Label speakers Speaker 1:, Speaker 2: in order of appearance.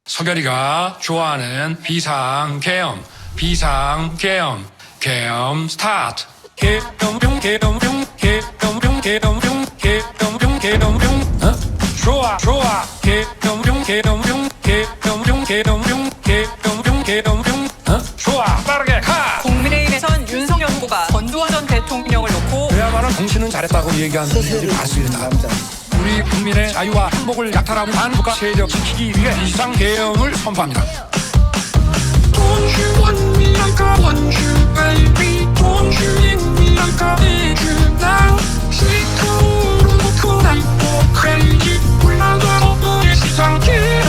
Speaker 1: 서결이가 좋아하는 비상계엄 계엄 스타트. 계엄뿅 좋아 계엄뿅 좋아 빠르게 가.
Speaker 2: 국민의힘에선 윤석열 후보가 전두환 전 대통령을 놓고
Speaker 1: 그야말로 당신은 잘했다고 얘기하는 분들이 많습니다. 우리 국민의 자유와 행복을 약탈하고 반국가 세력 지키기 위해 비상계엄을 선포합니다.
Speaker 3: Don't you want me like I want you, baby? Don't you need me like I need you now? 시커멓고 난 또 crazy. 올라가 너의 시상계